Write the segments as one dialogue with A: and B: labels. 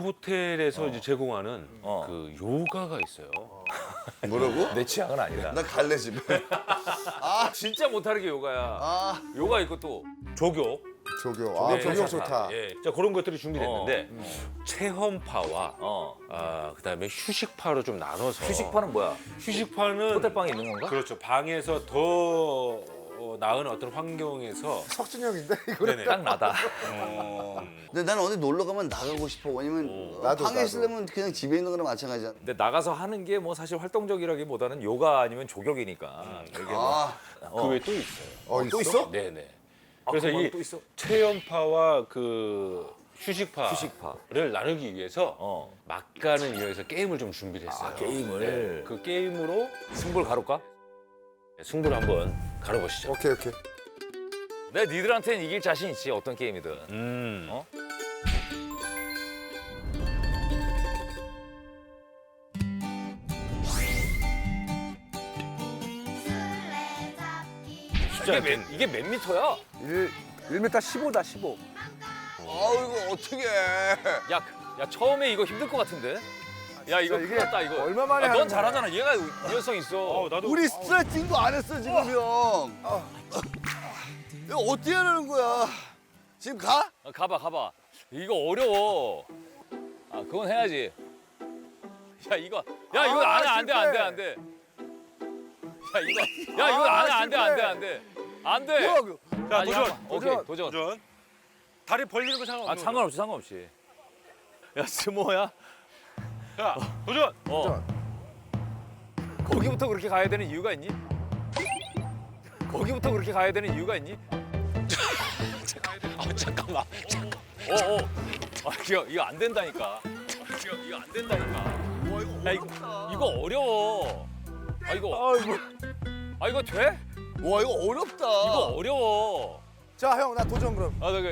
A: 호텔에서 이제 제공하는 그 요가가 있어요.
B: 뭐라고?
C: 내 취향은 아니다.
B: 나 갈래 집에.
C: 진짜 못하는 게 요가야. 요가 있고 또
A: 조교.
B: 조교. 아,
A: 네,
B: 조교 좋다.
A: 예. 자, 그런 것들이 준비됐는데 체험파와
C: 어.
A: 그다음에 휴식파로 좀 나눠서
C: 휴식파는 뭐야?
A: 휴식파는
C: 호텔방에 있는 건가?
A: 그렇죠. 방에서 더 나은 어떤 환경에서
B: 석준형인데 이거는.
A: 네네.
C: 딱 나다.
D: 근데 나는 어디 놀러 가면 나가고 싶어. 왜냐면
B: 나도,
D: 방에
B: 나도.
D: 있으려면 그냥 집에 있는 거랑 마찬가지야.
C: 근데 나가서 하는 게 뭐 사실 활동적이라기보다는 요가 아니면 조격이니까. 이게 뭐
D: 아,
A: 그 외에 또 있어요.
B: 또 있어?
A: 네네.
C: 아,
A: 그래서
C: 그건
A: 이
C: 또 있어?
A: 체험파와 그 휴식파를
C: 휴식파.
A: 나누기 위해서 막간을 이용해서 게임을 좀 준비를 했어요.
C: 게임을.
A: 네. 그 게임으로
C: 승부를 가볼까?
A: 승부를 한번 가려보시죠.
B: 오케이, 오케이.
C: 내 니들한테는 이길 자신 있지, 어떤 게임이든. 어? 이게 몇 미터야?
E: 1m 15다 15.
D: 아이고 어떻게?
C: 야 처음에 이거 힘들 것 같은데? 야 이거
E: 이게
C: 큰일 났다 이거.
E: 얼마 만에
C: 넌
E: 하는
C: 잘하잖아. 얘가 유연성 있어.
A: 나도
D: 우리 스트레칭도 안 했어 지금 형. 이거 어떻게 하는 거야? 지금 가?
C: 가봐. 이거 어려워. 아 그건 해야지. 야 이거 안 돼. 야 이거 안 돼. 안 돼.
A: 자,
C: 아니,
A: 도전.
C: 오케이 도전.
A: 도전. 다리 벌리는 거 상관없어.
C: 아 상관없이. 야 스모야.
A: 자, 도전.
C: 거기부터 그렇게 가야 되는 이유가 있니? 거기부터 그렇게 가야 되는 이유가 있니?
A: 잠깐만.
C: 아 이거 안 된다니까. 이거 안 된다니까. 야 이거 어려워. 이거 돼?
D: 와 이거 어렵다.
C: 이거 어려워.
E: 자, 형, 나 도전 그럼.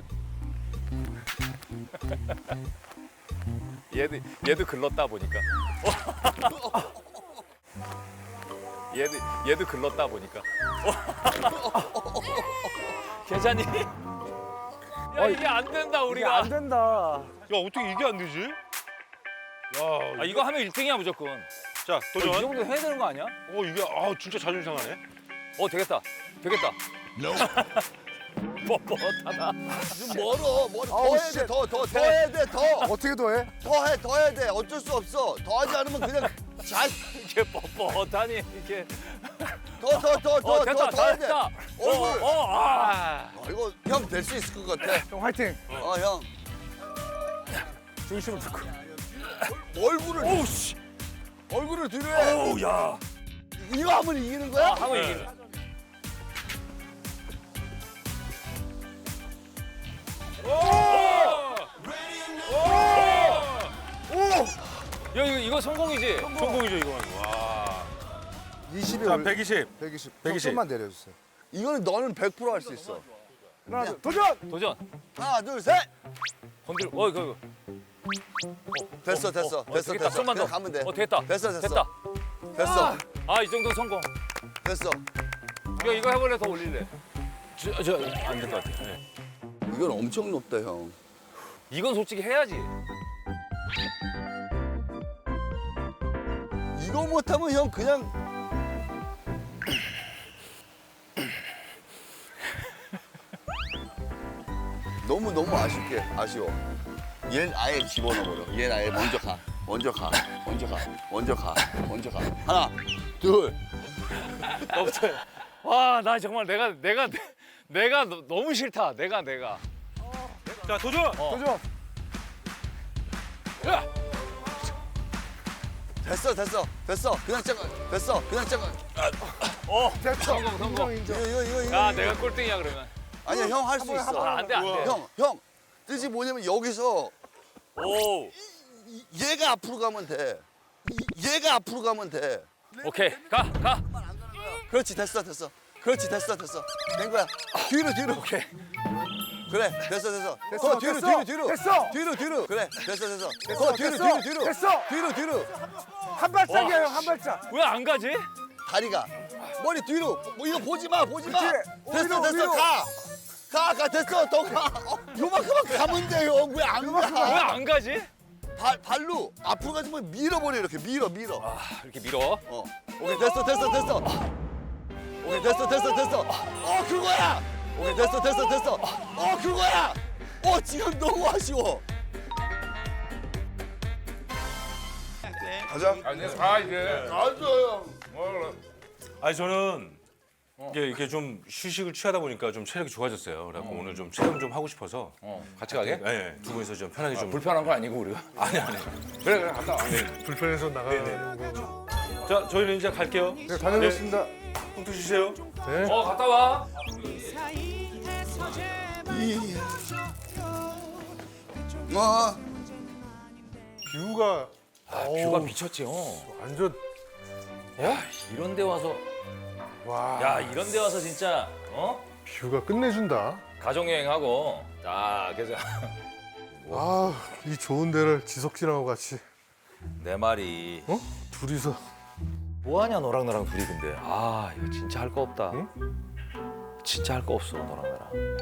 C: 얘도 글렀다 보니까. 얘도 글렀다 보니까. 괜찮니? 야 이게 안 된다
E: 이게
C: 우리가.
E: 안 된다.
A: 야, 어떻게 이게 안 되지? 야,
C: 아 이거 하면 1등이야 무조건.
A: 자,
C: 이
A: 도전.
C: 정도 해야 되는 거 아니야?
A: 이게 진짜 자존심 상하네.
C: 되겠다. 뻣뻣하다.
D: 좀 멀어. 더 해야 돼. 더 해야 돼. 더.
E: 어떻게 더 해?
D: 더 해야 돼. 어쩔 수 없어. 더 하지 않으면 그냥
C: 이게 뻣뻣하니 이렇게.
D: 더 해야 돼.
C: 됐다.
D: 얼굴.
C: 이거
D: 이거 형 될 수 있을 것 같아.
E: 형 화이팅.
D: 형.
E: 중심을 잡고.
D: 얼굴을.
C: 오우씨.
D: 얼굴을 뒤로 해.
C: 오야.
D: 이거 하면 이기는 거야?
C: 하면 이기는. 야 이거 성공이지?
A: 성공이죠, 이거. 와.
B: 20이
A: 자, 120.
B: 120.
A: 120.
B: 좀만 내려주세요.
D: 이거는 너는 100% 할 수 있어.
E: 하나, 둘, 도전.
C: 도전.
D: 하나, 둘, 셋.
C: 건들. 이거.
D: 됐어.
C: 되겠다. 좀만 더.
D: 그냥 가면 돼.
C: 됐다.
D: 됐어.
C: 됐다.
D: 됐어.
C: 이 정도 성공.
D: 됐어.
C: 이거 해볼래? 더 올릴래? 안 될 것 같아. 네.
D: 이건 엄청 높다, 형.
C: 이건 솔직히 해야지.
D: 이거 못하면 형 그냥 너무 아쉬워. 얘는 아예 집어넣어버려. 얘는 아예 먼저 가. 하나, 둘.
C: 너부터. 와, 나 정말 내가 너무 싫다. 내가.
A: 자, 도전.
E: 도전.
C: 야,
D: 됐어. 그냥 잠깐. 됐어.
E: 됐어.
C: 성공.
D: 이거.
C: 야, 내가 꼴등이야 그러면.
D: 아니야, 형 할 수 있어.
C: 안 돼.
D: 형. 뜻이 뭐냐면 여기서
C: 오.
D: 얘가 앞으로 가면 돼.
C: 오케이. 가.
D: 그렇지, 됐어. 된 거야. 뒤로.
C: 오케이.
D: 그래, 됐어.
E: 됐어,
D: 뒤로.
E: 됐어.
D: 뒤로. 그래, 됐어.
E: 됐어,
D: 뒤로.
E: 됐어.
D: 뒤로.
E: 한 발짝이야, 형, 한 발짝.
C: 왜 안 가지?
D: 다리가. 머리 뒤로. 뭐 이거 보지 마.
E: 그치?
D: 됐어.
E: 위로.
D: 가. 됐어. 더 가. 요만큼만 가면 돼, 형. 왜 안
C: 왜
D: 가?
C: 안 가지?
D: 발로 앞으로 가지 말고 밀어버려 이렇게 밀어.
C: 아, 이렇게 밀어.
D: 오케이 됐어. 오케이 됐어. 그거야. 오케이 됐어. 그거야. 지금 너무 아쉬워.
B: 가자.
A: 아니 저는 이게 좀 휴식을 취하다 보니까 좀 체력이 좋아졌어요. 그래갖고 오늘 좀 체험 좀 하고 싶어서.
C: 같이 가게?
A: 네, 두 분이서 좀 편하게 좀.
C: 불편한 건 아니고 우리가.
A: 아니.
C: 그래 갔다 와.
E: 불편해서 나가는 거.
A: 자, 저희는 이제 갈게요.
E: 네, 다녀오겠습니다.
A: punktus 주세요.
E: 네.
C: 갔다 와.
E: 뷰가
C: 뷰가 미쳤지.
E: 완전
C: 이런 데 와서
E: 와.
C: 야, 이런 데 와서 진짜
E: 뷰가 끝내준다.
C: 가족 여행하고 자, 그래서
E: 아, 이 좋은 데를 지석진하고 같이
C: 내 말이
E: 둘이서
C: 뭐 하냐 너랑 나랑 둘이 근데. 아, 이거 진짜 할 거 없다.
E: 응?
C: 진짜 할 거 없어 너랑 나랑.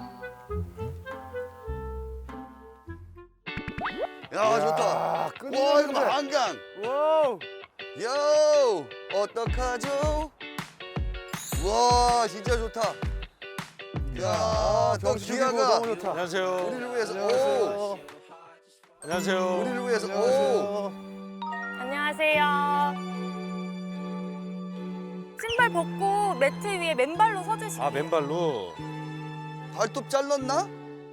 D: 야 좋다. 와 이거 봐 한강.
E: 와우.
D: 요 어떡하죠? 와 진짜 좋다. 야, 또 기아가
E: 너무 좋다.
A: 안녕하세요.
D: 우리를 위해서. 오,
A: 안녕하세요.
D: 우리를 위해서. 오.
F: 안녕하세요. 신발 벗고 매트 위에 맨발로 서주시면
A: 아, 맨발로.
D: 발톱 잘랐나?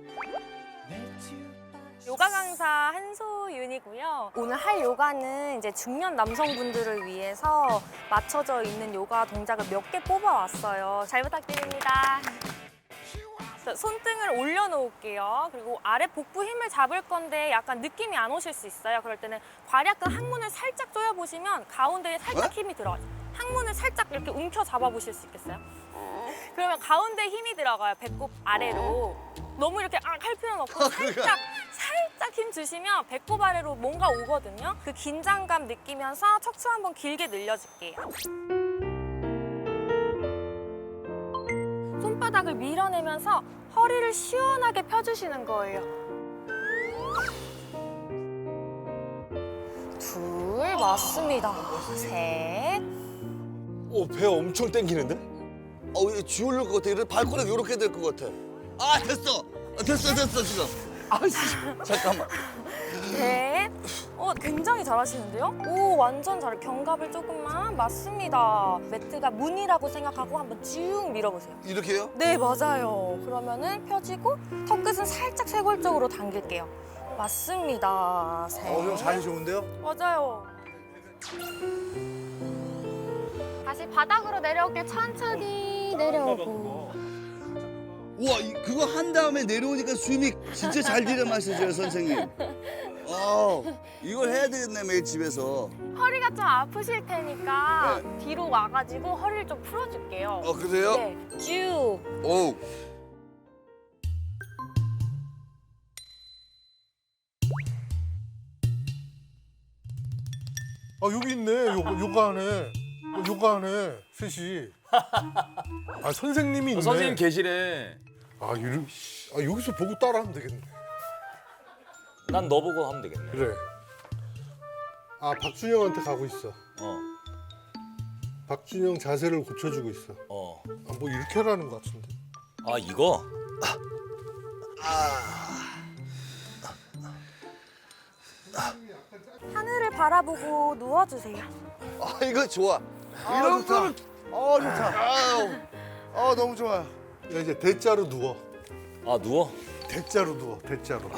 F: 요가 강사 한소윤이고요. 오늘 할 요가는 이제 중년 남성분들을 위해서 맞춰져 있는 요가 동작을 몇 개 뽑아왔어요. 잘 부탁드립니다. 자, 손등을 올려놓을게요. 그리고 아래 복부 힘을 잡을 건데 약간 느낌이 안 오실 수 있어요. 그럴 때는 괄약근 항문을 살짝 조여보시면 가운데에 살짝 힘이 들어가요. 항문을 살짝 이렇게 움켜 잡아보실 수 있겠어요? 그러면 가운데 힘이 들어가요. 배꼽 아래로. 너무 이렇게 할 필요는 없고 살짝 힘 주시면 배꼽 아래로 뭔가 오거든요. 그 긴장감 느끼면서 척추 한번 길게 늘려줄게요. 손바닥을 밀어내면서 허리를 시원하게 펴주시는 거예요. 둘, 맞습니다. 셋.
A: 배 엄청 땡기는데?
D: 얘 쥐올릴 것 같아. 이래 발가락 이렇게 될 것 같아. 아 됐어. 됐어 지금. 아씨 잠깐만.
F: 넷. 굉장히 잘하시는데요? 오, 완전 잘해. 견갑을 조금만. 맞습니다. 매트가 문이라고 생각하고 한번 쭉 밀어보세요.
D: 이렇게요?
F: 네, 맞아요. 그러면은 펴지고 턱끝은 살짝 쇄골적으로 당길게요. 맞습니다. 셋.
E: 형 자리 좋은데요?
F: 맞아요. 다시 바닥으로 내려올게요. 천천히 내려오고.
D: 우와 그거 한 다음에 내려오니까 숨이 진짜 잘 들이마시죠 선생님. 이걸 해야 되겠네 매일 집에서.
F: 허리가 좀 아프실 테니까 뒤로 와가지고 허리를 좀 풀어줄게요.
D: 그래요?
F: 네, 쭉.
D: 오.
E: 여기 있네. 요가하네. 요가하네. 셋이. 아, 선생님이 있네.
C: 선생님 계시래.
E: 여기서 보고 따라하면 되겠네.
C: 난 너 보고 하면 되겠네.
E: 그래. 박준영한테 가고 있어. 박준영 자세를 고쳐주고 있어. 뭐 이렇게 하라는 것 같은데.
C: 이거?
F: 하늘을 바라보고 누워주세요.
D: 이거 좋아. 이런 거는
E: 좋다. 너무 좋아요. 야, 이제 대자로 누워.
C: 누워?
E: 대자로 누워. 대자로.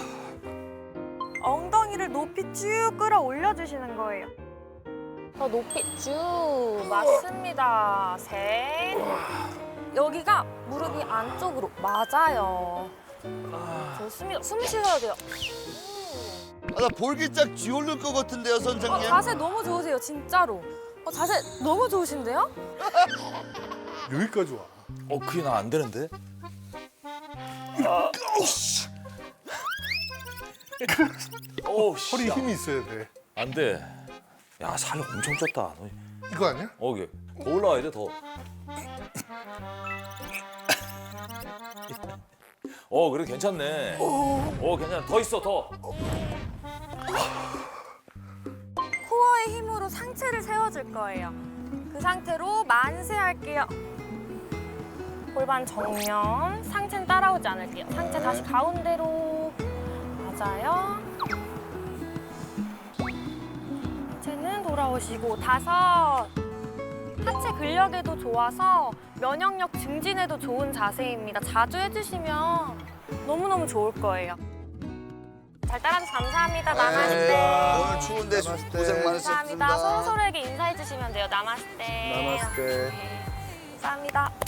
F: 엉덩이를 높이 쭉 끌어올려주시는 거예요. 더 높이 쭉. 맞습니다. 셋. 여기가 무릎이 안쪽으로. 맞아요. 좋습니다. 숨 쉬어야 돼요.
D: 나 볼기짝 쥐올릴 것 같은데요 선생님.
F: 자세 너무 좋으세요, 진짜로. 자세 너무 좋으신데요?
E: 여기까지 와.
C: 그게 나 안 되는데?
E: 허리 힘이 있어야 돼.
C: 안 돼. 야, 살 엄청 쪘다. 너.
E: 이거 아니야?
C: 이게 더 올라와야 돼, 더. 그래 괜찮네. 괜찮아. 더 있어, 더.
F: 상체를 세워줄 거예요. 그 상태로 만세 할게요. 골반 정면, 상체는 따라오지 않을게요. 상체 다시 가운데로. 맞아요. 상체는 돌아오시고 5. 하체 근력에도 좋아서 면역력 증진에도 좋은 자세입니다. 자주 해주시면 너무너무 좋을 거예요. 잘 따라줘서 감사합니다. 나마스테.
D: 오늘 추운데
B: 나마스테.
D: 고생 많으셨습니다.
F: 감사합니다. 서로서로에게 인사해 주시면 돼요. 나마스테.
B: 나마스테.
F: 네, 감사합니다.